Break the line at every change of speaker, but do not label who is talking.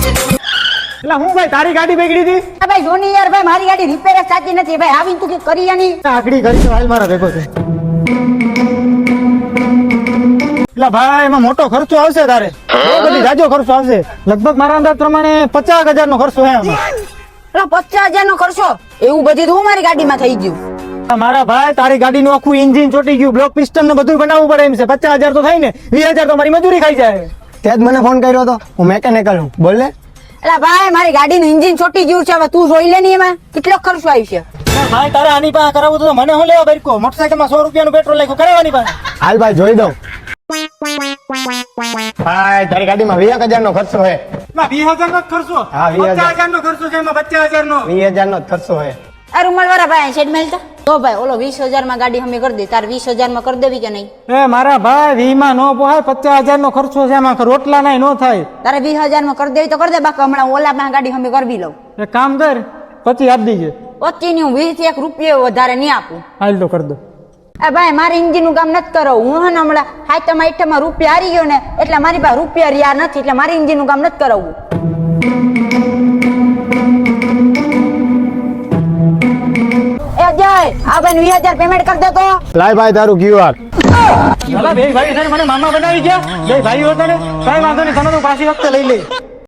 એટલે હું ભાઈ તારી ગાડી બગડી હતી?
ભાઈ જોની યાર ભાઈ મારી ગાડી રિપેર જ સાચી નથી ભાઈ આવીને તું કે કરી આની
આગળી કરી તો હાલ મારા ભેગો છે. એટલે ભાઈ એમાં મોટો ખર્ચો આવશે તારે, બહુ બધી જાજો ખર્ચો આવશે. લગભગ મારા અંદાજ પ્રમાણે 50,000 નો ખર્ચો છે આમાં.
50,000 નો ખર્ચો? એવું બધું તો મારી ગાડીમાં થઈ ગયું.
મારા ભાઈ તારી ગાડીનું આખું એન્જિન ચોટી ગયું, બ્લોક પિસ્ટન ને બધું બનાવવું પડે એમ છે. 50,000 તો થાય ને, 20,000 તો મારી મજૂરી ખાઈ જાય.
ત્યાં જ મને ફોન કર્યો હતો, હું મેકેનિકલ છું, બોલ ને.
એટલે ભાઈ મારી ગાડીનું એન્જિન ચોટી ગયું છે, હવે તું જોઈ લે ને એમાં કેટલો ખર્ચો આવી છે.
ભાઈ તારે આની પાસે કરાવવું તો મને હું લેવા બરકો, મોટરસાઇકલમાં 100 રૂપિયાનું પેટ્રોલ નાખ્યું, કરાવવાની પાસે.
હાલ ભાઈ જોઈ દઉં. ભાઈ તારી ગાડીમાં 20,000 નો ખર્ચો છે.
20,000 નો ખર્ચો?
હા, 20,000
નો ખર્ચો છે એમાં. 50,000 નો
20,000 નો જ ખર્ચો છે.
આ રૂમાલ વાળા ભાઈ સેટ મેલતા તો ભાઈ ઓલો 20,000 માં ગાડી હમે કરી દે, તાર 20,000 માં કરી દેવી કે નહીં?
એ મારા ભાઈ 20 માં નો પોહાય, 50,000 નો ખર્ચો છે એમાં, રોટલા નહીં નો થાય.
તારે 20,000 માં કરી દેવી તો કરી દે, બાકી હમણાં ઓલા માં ગાડી હમે કરવી લઉં.
એક કામ કર, 25 આપી દેજે.
25 ની હું 20 થી 1 રૂપિયો વધારે નહીં આપું.
હાલ તો કરી દો.
એ ભાઈ મારે એન્જિન નું કામ નથી કરો, હું હે ને હમણાં હાઈટમાં આઈટમાં રૂપિયા હારી ગયો ને એટલે મારી પાસે રૂપિયા રહ્યા નથી, એટલે મારે એન્જિન નું કામ નથી કરાવવું. એ જય આ ભાઈ 20,000 પેમેન્ટ કરી દે તો.
લાય ભાઈ તારું QR.
બે ભાઈ મને મામા બનાવી ગયા, બે ભાઈઓ હતા ને, કઈ વાંધો નહીં, તને તો પાછી વખતે લઈ લે.